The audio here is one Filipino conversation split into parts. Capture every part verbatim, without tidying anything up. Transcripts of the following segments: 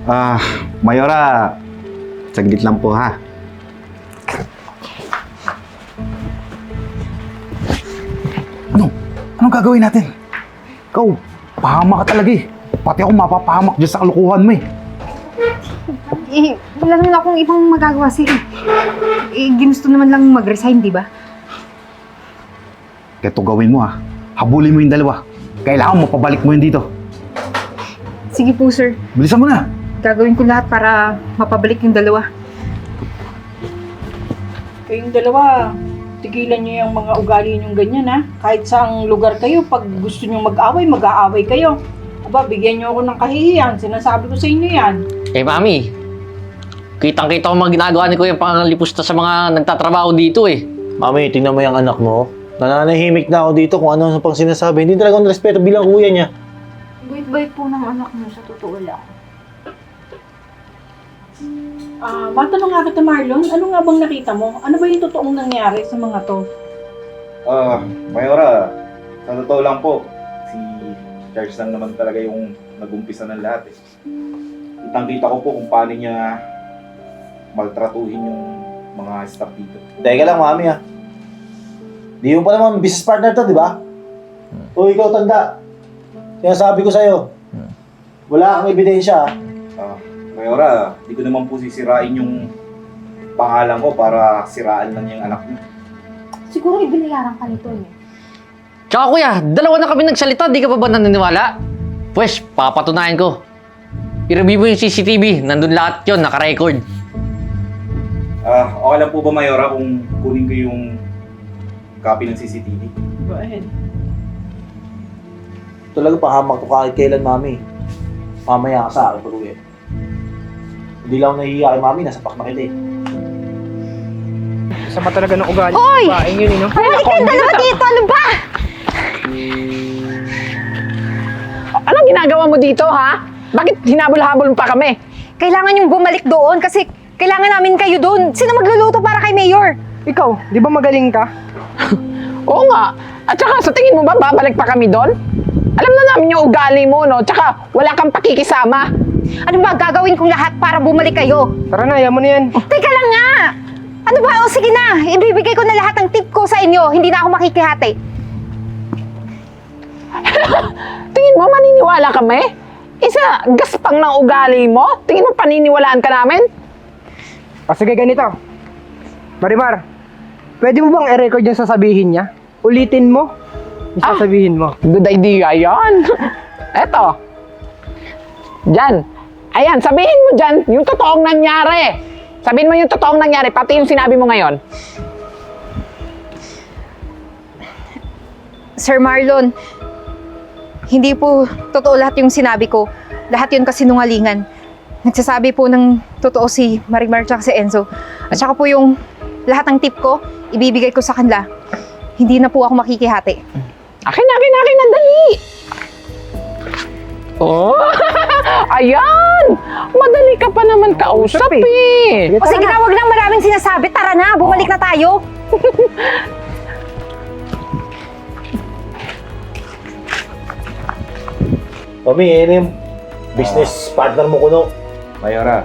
Ah, Mayora, saglit lang po ha. Ano? Anong gagawin natin? Ikaw, pahamak ka talaga eh. Pati ako mapapahamak dyan sa kalukuhan mo eh. Eh, wala naman akong ibang magagawa sir. Eh, ginusto naman lang mag-resign, di ba? Kaya ito gawin mo ha. Habulin mo yung dalawa. Kailangan mapabalik mo yun dito. Sige po, sir. Bilisan mo na. Gagawin ko lahat para mapabalik yung dalawa. Kayong dalawa, tigilan niyo yung mga ugali niyong ganyan ha. Kahit saang lugar kayo, pag gusto niyo mag-away, mag-aaway kayo. Aba, bigyan niyo ako ng kahihiyan. Sinasabi ko sa inyo yan. Eh, Mami, kitang-kita ko mga ginagawa ni Kuya Pangalipusta sa mga nagtatrabaho dito eh. Mami, tingnan mo yung anak mo. Nananahimik na ako dito kung ano-ano pang sinasabi. Hindi talaga akong respeto bilang kuya niya. Bait-bait po ng anak mo, sa totoo lang. Ah, matanong nga kita, Marlon, ano nga bang nakita mo? Ano ba yung totoong nangyari sa mga to? Ah, Mayora, sa totoo lang po, si Charles lang naman talaga yung nag-umpisa ng lahat eh. Kitang-kita ko po kung paano niya maltratuhin yung mga staff dito. Teka lang, Mami ah. Di mo pa naman business partner to, di ba? O ikaw, tanda. Sinasabi ko sa'yo. Wala kang ebidensya ah. Ah, Mayora, di ko naman po sisirain yung pangalan ko para siraan lang yung anak niyo. Siguro ibinayaran ka nito eh. Tsaka Kuya, dalawa na kami nagsalita, di ka pa ba naniniwala? Pwes, papatunayan ko. I-review mo yung C C T V, nandun lahat yun, naka-record. Ah, okay lang po ba Mayora kung kunin ko yung copy ng C C T V? Go ahead. Talaga pahamak to kahit kailan, Mami. Mamaya ka sa akin, pag-uwi. Hindi lang ako nahihiya kay Mami, nasa pak na kita eh. Sama talaga ng ugali. Hoy! Baing yun, eh, no? Bumalik kayong dalawa dito! Ano ba? Anong ginagawa mo dito, ha? Bakit hinabol-habol pa kami? Kailangan yung bumalik doon kasi kailangan namin kayo doon. Sino magluluto para kay Mayor? Ikaw, di ba magaling ka? Oo nga. At saka, sa tingin mo ba, babalik pa kami doon? Alam na namin yung ugali mo, no? Tsaka, wala kang pakikisama. Ano ba gagawin kong lahat para bumalik kayo? Tara na, ayaw mo na yan. Teka lang nga! Ano ba? O sige na, ibibigay ko na lahat ng tip ko sa inyo. Hindi na ako makikihati. Tingin mo, maniniwala kami? Isa, gaspang ng ugali mo? Tingin mo, paniniwalaan ka namin? O sige, ganito. Marimar, pwede mo bang i-record yung sasabihin niya? Ulitin mo yung Ah. sasabihin mo. Good idea yan. Eto. Diyan. Ayan, sabihin mo dyan yung totoong nangyari. Sabihin mo yung totoong nangyari, pati yung sinabi mo ngayon. Sir Marlon, hindi po totoo lahat yung sinabi ko. Lahat yun kasinungalingan. Nagsasabi po ng totoo si Marimar at si Enzo. At saka po yung lahat ng tip ko, ibibigay ko sa kanila. Hindi na po ako makikihati. Akin, akin, akin, na dali! Oh, ayan! Madali ka pa naman kausap Usap, eh. O sige na, wag lang maraming sinasabi. Tara na, bumalik na tayo. Mami, yun yung business partner mo kuno. Mayora,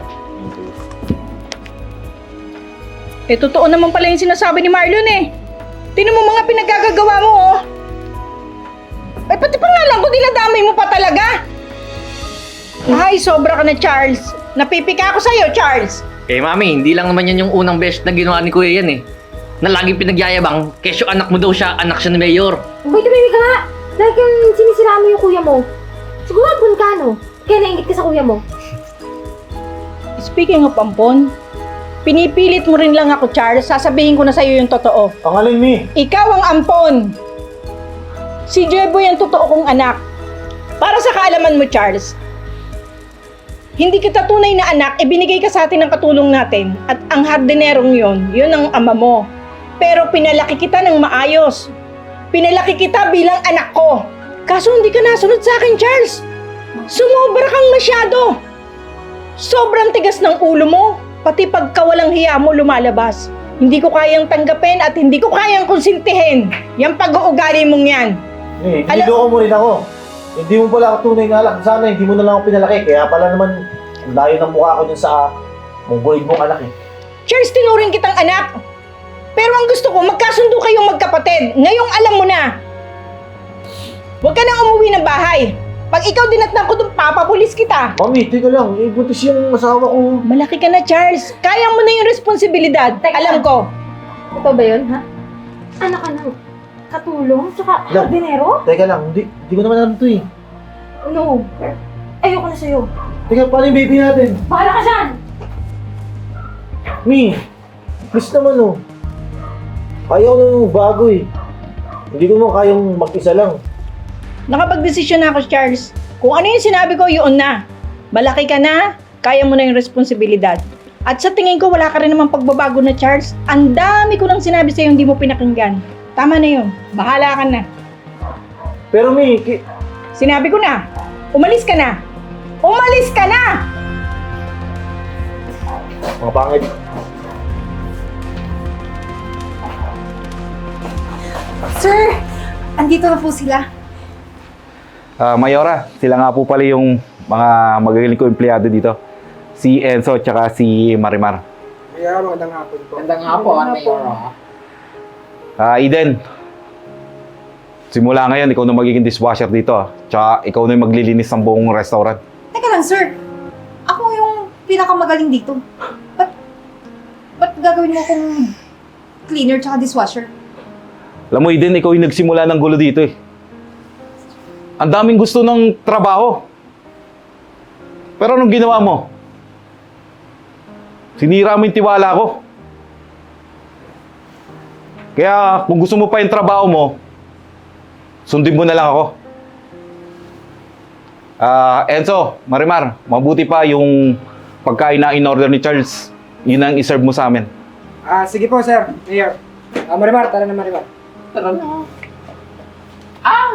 Eh, totoo naman pala yung sinasabi ni Marlon eh. Tingnan mo mga pinagkagagawa mo oh. Eh, pati pangalan ko, dinadamay mo pa talaga. Ay, sobra ka na, Charles. Napipika ako sa'yo, Charles. Eh, Mami, hindi lang naman yan yung unang beses na ginawa ni Kuya yan eh. Na laging pinagyayabang, kesyo anak mo daw siya, anak siya ni Mayor. Uy, tumimik ka nga! Dahil kang sinisiraan mo yung kuya mo. Siguro ampun ka, no? Kaya naingit ka sa kuya mo. Speaking of ampon, pinipilit mo rin lang ako, Charles. Sasabihin ko na sa'yo yung totoo. Ang alin, Mi? Ikaw ang ampon. Si Jeboy ang totoo kong anak. Para sa kaalaman mo, Charles, hindi kita tunay na anak, ibinigay ka sa atin ng katulong natin. At ang hardinerong yon, yun ang ama mo. Pero pinalaki kita ng maayos. Pinalaki kita bilang anak ko. Kaso hindi ka nasunod sa akin, Charles. Sumobra kang masyado. Sobrang tigas ng ulo mo. Pati pagkawalang hiya mo lumalabas. Hindi ko kayang tanggapin at hindi ko kayang konsintihin. Yang pag-uugali mong yan. Eh, Alam- niloko mo rin ako. Hindi mo pala ako tunay na anak. Sana hindi mo na lang ako pinalaki. Kaya pala naman Ang layo ng mukha ko dun sa mongoloid mong anak eh. Charles, tinuring kitang anak. Pero ang gusto ko, magkasundo kayong magkapatid. Ngayong alam mo na. Huwag ka nang umuwi ng bahay. Pag ikaw dinatnan ko doon, papapulis kita. Mami, teka lang. Eh, buntis yung asawa ko. Malaki ka na, Charles. Kaya mo na yung responsibilidad. Teka. Alam ko. Ito ba yun, ha? Anak ka ng katulong, tsaka Lang. hardinero? Teka lang, hindi, hindi ko naman alam to eh. No. Ayoko na sa'yo. Teka, paano yung baby natin? Bahala ka dyan! Mi, please naman oh. Kaya ko naman bago eh. Hindi ko naman kayang mag-isa lang. Nakapag-desisyon na ako, Charles. Kung ano yung sinabi ko, yun na. Malaki ka na, kaya mo na yung responsibilidad. At sa tingin ko, wala ka rin namang pagbabago na, Charles. Ang dami ko nang sinabi sa'yo, hindi mo pinakinggan. Tama na yun. Bahala ka na. Pero Mi, ki- Sinabi ko na, umalis ka na. Umalis ka na! mga pangit. Sir, andito na po sila. Ah, Mayora, sila nga po pala yung mga magagaling ko empleyado dito. Si Enzo at si Marimar. Kaya magandang hapon po. Gandang hapon, Mayor. Ah, Eden. Simula ngayon, ikaw na magiging dishwasher dito. ah. Tsaka ikaw na yung maglilinis ng buong restaurant. Teka lang, sir. Ako yung pinakamagaling dito. Ba't, ba't gagawin mo akong cleaner tsaka dishwasher? Alam mo, Eden, ikaw yung nagsimula ng gulo dito eh. Ang daming gusto ng trabaho. Pero anong ginawa mo? Sinira mo yung tiwala ko. Kaya kung gusto mo pa yung trabaho mo, sundin mo na lang ako. Ah, Enzo, Marimar, mabuti pa yung pagkain na in-order ni Charles. Yun ang iserve mo sa amin. Ah, sige po, sir. Mayor. Ah, Marimar, tara na Marimar. Tara na. Ah!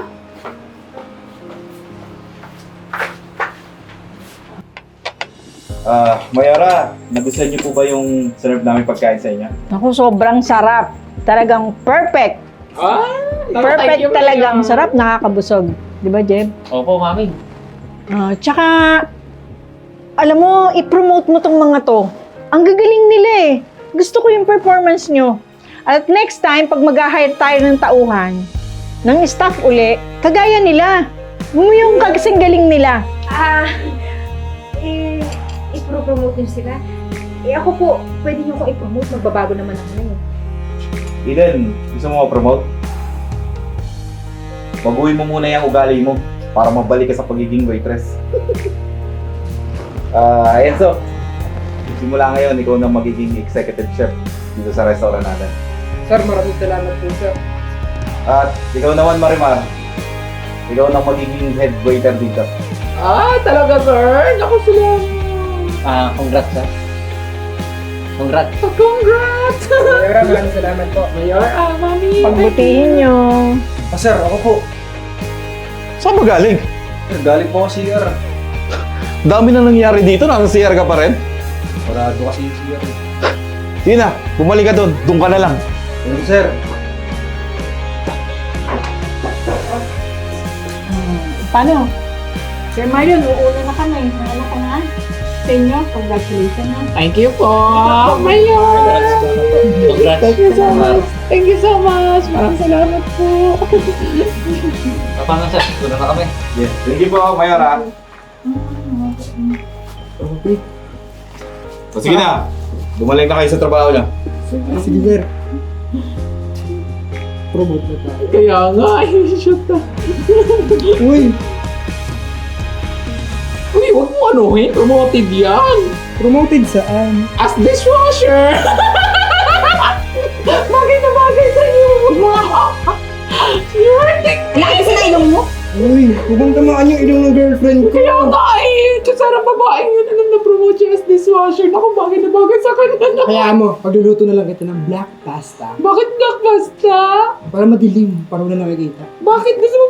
Ah, Mayara, nagustuhan niyo po ba yung serve namin pagkain sa inyo? Ako, sobrang sarap. Talagang perfect. Ah! Perfect talagang sarap, nakakabusog. Di ba, Jeb? Opo, mami. Ah, tsaka, alam mo, i-promote mo tong mga to. Ang gagaling nila eh. Gusto ko yung performance nyo. At next time, pag mag-hire tayo ng tauhan, ng staff uli, kagaya nila. Mo yung kasing galing nila. Ah, eh, i-promote niyo sila. Eh ako po, pwede niyo ko i-promote. Magbabago naman ako na eh. Eden, gusto mo ma-promote? Baguhin mo muna yung ugali mo para mabalik ka sa pagiging waitress. Ah, Enzo, simula ngayon, ikaw na magiging executive chef dito sa restaurant natin. Sir, maraming salamat po, sir. At ikaw naman, Marimar, ikaw na magiging head waiter dito. Ah, talaga, sir? Naku, salamat. Ah, congrats, sir. Congrats. Congrats! Mayor, maraming salamat po. Mayor, ah, mami. Pagbutihin nyo. Ah, sir, ako po. Saan ba galing? Sir, galing po ako C R. Dami na nangyari dito, nasa C R ka pa rin. Parado kasi yung C R. Sige na, bumalik ka doon, doon ka na lang. Thank you, sir. Paano? Sir Marion, uuna na kami. Mahala ka na. Sa inyo, congratulations ha. Thank you po, Mayor. Congrats. Thank you so much. Thank you so much. Maraming salamat po. Paano, sir? Doon na kami. Yes, thank you po, Mayor ha. O sige na, bumalik na kayo sa trabaho niyo. Sige, sir. Promote na tayo. Kaya nga, shoot na. Uy, Uy, huwag mo anuhin. Promoted yan. promoted saan? As dishwasher. Bagay na bagay sa'yo. You're the Laki sa ilong mo? Uy, huwag mong tamaan yung ilong ng girlfriend ko. Kaya nga eh. Diyos, sarang babae yun. Alam na promote siya as dishwasher. Naku, bagay na bagay sa kanya. Kaya mo, pagluluto na lang kita ng black pasta. Bakit black pasta? Para madilim, para wala nakikita. Bakit gusto mo